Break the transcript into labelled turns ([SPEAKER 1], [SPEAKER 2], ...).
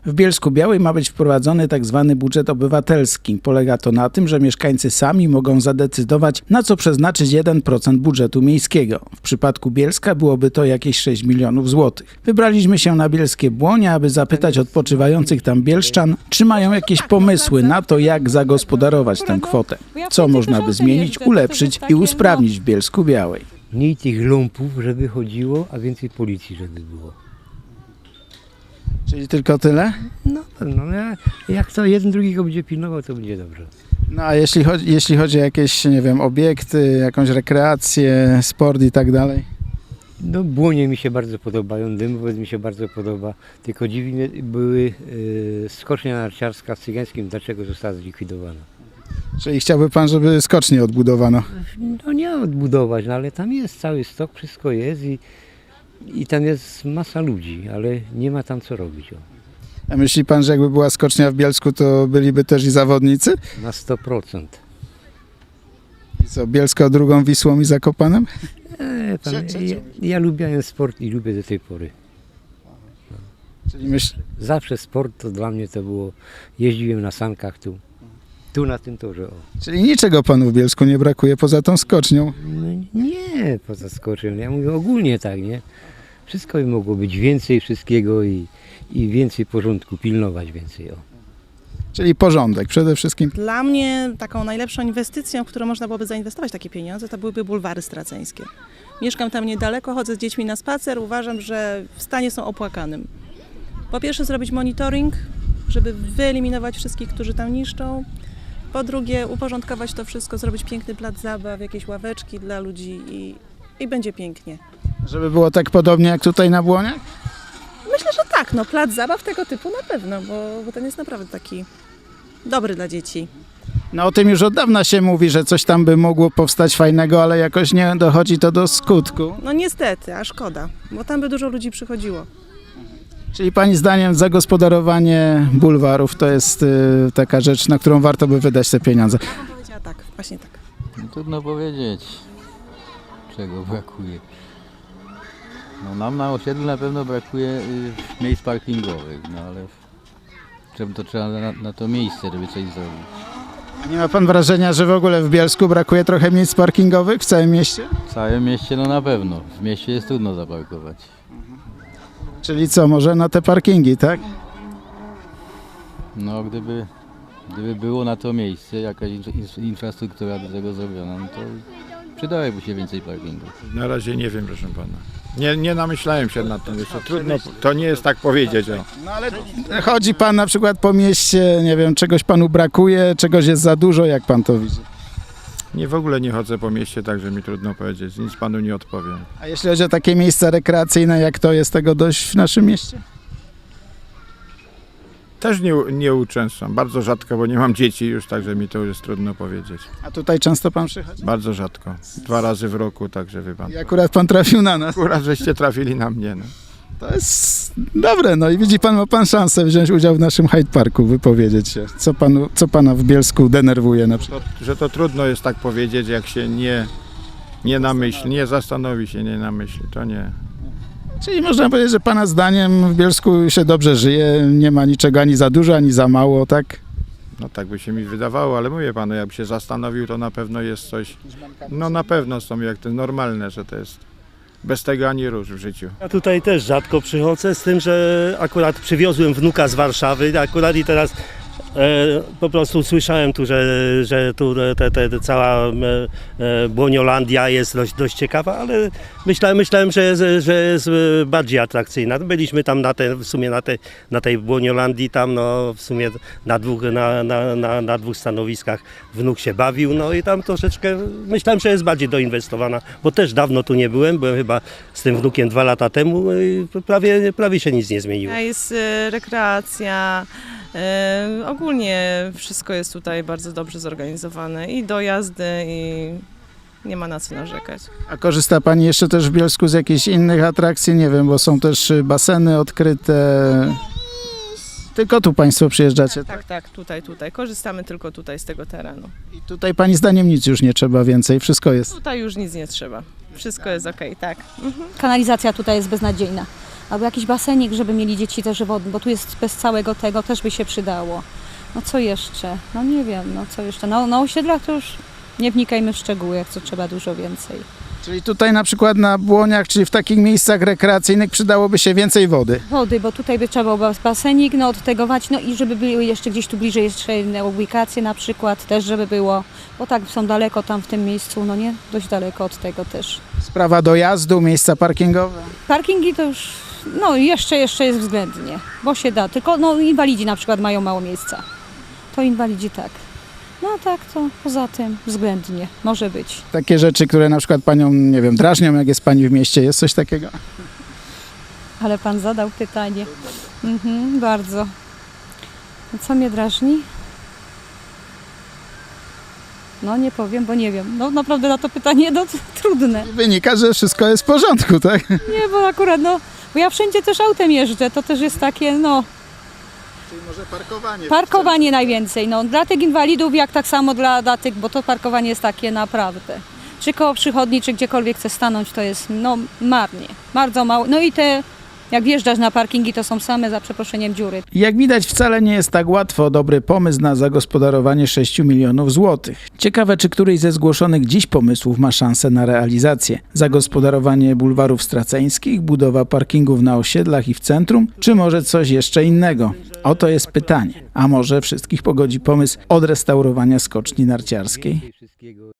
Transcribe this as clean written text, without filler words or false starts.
[SPEAKER 1] W Bielsku-Białej ma być wprowadzony tzw. budżet obywatelski. Polega to na tym, że mieszkańcy sami mogą zadecydować, na co przeznaczyć 1% budżetu miejskiego. W przypadku Bielska byłoby to jakieś 6 milionów złotych. Wybraliśmy się na bielskie Błonie, aby zapytać odpoczywających tam bielszczan, czy mają jakieś pomysły na to, jak zagospodarować tę kwotę. Co można by zmienić, ulepszyć i usprawnić w Bielsku-Białej.
[SPEAKER 2] Mniej tych lumpów, żeby chodziło, a więcej policji, żeby było.
[SPEAKER 1] Czyli tylko tyle?
[SPEAKER 2] No, jak to jeden drugiego będzie pilnował, to będzie dobrze.
[SPEAKER 1] No a jeśli chodzi o jakieś, nie wiem, obiekty, jakąś rekreację, sport i tak dalej?
[SPEAKER 2] No Błonie mi się bardzo podobają, Dymowiec mi się bardzo podoba, tylko dziwnie były skocznia narciarska w Cygańskim, dlaczego została zlikwidowana.
[SPEAKER 1] Czyli chciałby pan, żeby skocznie odbudowano?
[SPEAKER 2] No nie odbudować, no, ale tam jest cały stok, wszystko jest i tam jest masa ludzi, ale nie ma tam co robić. O.
[SPEAKER 1] A myśli pan, że jakby była skocznia w Bielsku, to byliby też i zawodnicy?
[SPEAKER 2] Na 100%.
[SPEAKER 1] I co, Bielsko drugą Wisłą i Zakopanem?
[SPEAKER 2] Ja lubiłem sport i lubię do tej pory.
[SPEAKER 1] Czyli
[SPEAKER 2] Zawsze sport to dla mnie to było, jeździłem na sankach tu na tym torze. O.
[SPEAKER 1] Czyli niczego panu w Bielsku nie brakuje poza tą skocznią?
[SPEAKER 2] No nie, poza skoczem, ja mówię ogólnie tak, nie? Wszystko by mogło być więcej wszystkiego i więcej porządku, pilnować więcej. O.
[SPEAKER 1] Czyli porządek przede wszystkim.
[SPEAKER 3] Dla mnie taką najlepszą inwestycją, w którą można byłoby zainwestować takie pieniądze, to byłyby bulwary straceńskie. Mieszkam tam niedaleko, chodzę z dziećmi na spacer, uważam, że w stanie są opłakanym. Po pierwsze zrobić monitoring, żeby wyeliminować wszystkich, którzy tam niszczą. Po drugie uporządkować to wszystko, zrobić piękny plac zabaw, jakieś ławeczki dla ludzi i będzie pięknie.
[SPEAKER 1] Żeby było tak podobnie jak tutaj na Błoniach?
[SPEAKER 3] Myślę, że tak, no plac zabaw tego typu na pewno, bo ten jest naprawdę taki dobry dla dzieci.
[SPEAKER 1] No o tym już od dawna się mówi, że coś tam by mogło powstać fajnego, ale jakoś nie dochodzi to do skutku.
[SPEAKER 3] No niestety, a szkoda, bo tam by dużo ludzi przychodziło.
[SPEAKER 1] Czyli pani zdaniem zagospodarowanie bulwarów to jest taka rzecz, na którą warto by wydać te pieniądze?
[SPEAKER 3] Ja bym powiedziała tak, właśnie tak.
[SPEAKER 4] No, trudno powiedzieć, czego brakuje. No, nam na osiedlu na pewno brakuje miejsc parkingowych, no ale trzeba na to miejsce, żeby coś zrobić.
[SPEAKER 1] Nie ma pan wrażenia, że w ogóle w Bielsku brakuje trochę miejsc parkingowych w całym mieście?
[SPEAKER 4] W całym mieście no na pewno, w mieście jest trudno zaparkować.
[SPEAKER 1] Czyli co, może na te parkingi, tak?
[SPEAKER 4] No gdyby było na to miejsce, jakaś infrastruktura do tego zrobiona, no to przydałoby się więcej parkingów.
[SPEAKER 5] Na razie nie wiem, proszę pana. Nie namyślałem się nad tym, jeszcze trudno, to nie jest tak powiedzieć. O.
[SPEAKER 1] No ale chodzi pan na przykład po mieście, nie wiem, czegoś panu brakuje, czegoś jest za dużo, jak pan to widzi?
[SPEAKER 5] W ogóle nie chodzę po mieście, także mi trudno powiedzieć, nic panu nie odpowiem.
[SPEAKER 1] A jeśli chodzi o takie miejsca rekreacyjne, jak to, jest tego dość w naszym mieście?
[SPEAKER 5] Też nie uczęszczam, bardzo rzadko, bo nie mam dzieci już, także mi to jest trudno powiedzieć.
[SPEAKER 1] A tutaj często pan przychodzi?
[SPEAKER 5] Bardzo rzadko, 2 razy w roku, także wie pan.
[SPEAKER 1] I akurat pan trafił na nas.
[SPEAKER 5] Akurat żeście trafili na mnie. No.
[SPEAKER 1] To jest dobre, no i widzi pan, ma pan szansę wziąć udział w naszym Hyde Parku, wypowiedzieć się. Co pana w Bielsku denerwuje na przykład?
[SPEAKER 5] Że to trudno jest tak powiedzieć, jak się nie namyśli, nie zastanowi się, nie namyśli, to nie.
[SPEAKER 1] Czyli można powiedzieć, że pana zdaniem w Bielsku się dobrze żyje, nie ma niczego ani za dużo, ani za mało, tak?
[SPEAKER 5] No tak by się mi wydawało, ale mówię panu, jakby się zastanowił, to na pewno jest coś, no na pewno są jak to normalne, że to jest bez tego ani rusz w życiu.
[SPEAKER 6] Ja tutaj też rzadko przychodzę, z tym, że akurat przywiozłem wnuka z Warszawy, akurat i teraz po prostu słyszałem tu, że tu cała Błoniolandia jest dość ciekawa, ale myślałem, że jest bardziej atrakcyjna. Byliśmy tam w sumie na tej Błoniolandii, tam no w sumie na dwóch stanowiskach wnuk się bawił, no i tam troszeczkę myślałem, że jest bardziej doinwestowana, bo też dawno tu nie byłem chyba z tym wnukiem 2 lata temu i prawie się nic nie zmieniło.
[SPEAKER 7] Jest rekreacja. Ogólnie wszystko jest tutaj bardzo dobrze zorganizowane i dojazdy i nie ma na co narzekać.
[SPEAKER 1] A korzysta pani jeszcze też w Bielsku z jakichś innych atrakcji? Nie wiem, bo są też baseny odkryte. Tylko tu państwo przyjeżdżacie?
[SPEAKER 7] Tak, tutaj. Korzystamy tylko tutaj z tego terenu.
[SPEAKER 1] I tutaj pani zdaniem nic już nie trzeba więcej, wszystko jest?
[SPEAKER 7] Tutaj już nic nie trzeba. Wszystko jest okej, tak.
[SPEAKER 8] Kanalizacja tutaj jest beznadziejna. Albo jakiś basenik, żeby mieli dzieci też wodny, bo tu jest bez całego tego, też by się przydało. No co jeszcze? No nie wiem, no co jeszcze? No, na osiedlach to już nie wnikajmy w szczegóły, jak co trzeba dużo więcej.
[SPEAKER 1] Czyli tutaj na przykład na Błoniach, czyli w takich miejscach rekreacyjnych przydałoby się więcej wody.
[SPEAKER 8] Wody, bo tutaj by trzeba było basenik, no odtegować, no i żeby były jeszcze gdzieś tu bliżej jeszcze inne ubikacje na przykład, też żeby było, bo tak są daleko tam w tym miejscu, no nie? Dość daleko od tego też.
[SPEAKER 1] Sprawa dojazdu, miejsca parkingowe.
[SPEAKER 8] Parkingi to już, no jeszcze jest względnie, bo się da, tylko no inwalidzi na przykład mają mało miejsca. To inwalidzi tak. No a tak to poza tym względnie może być.
[SPEAKER 1] Takie rzeczy, które na przykład panią, nie wiem, drażnią, jak jest pani w mieście, jest coś takiego?
[SPEAKER 8] Ale pan zadał pytanie. Bardzo. Co mnie drażni? No nie powiem, bo nie wiem. No naprawdę na to pytanie no, trudne.
[SPEAKER 1] Wynika, że wszystko jest w porządku, tak?
[SPEAKER 8] Nie, bo akurat no, bo ja wszędzie też autem jeżdżę, to też jest takie no,
[SPEAKER 1] Czyli może parkowanie.
[SPEAKER 8] parkowanie najwięcej. No dla tych inwalidów jak tak samo dla tych, bo to parkowanie jest takie naprawdę. Czy koło przychodni, czy gdziekolwiek chcę stanąć, to jest no marnie, bardzo mało. No i te, jak wjeżdżasz na parkingi, to są same za przeproszeniem dziury.
[SPEAKER 1] Jak widać, wcale nie jest tak łatwo o dobry pomysł na zagospodarowanie 6 milionów złotych. Ciekawe, czy któryś ze zgłoszonych dziś pomysłów ma szansę na realizację. Zagospodarowanie bulwarów straceńskich, budowa parkingów na osiedlach i w centrum, czy może coś jeszcze innego? Oto jest pytanie. A może wszystkich pogodzi pomysł odrestaurowania skoczni narciarskiej?
[SPEAKER 2] Wszystkiego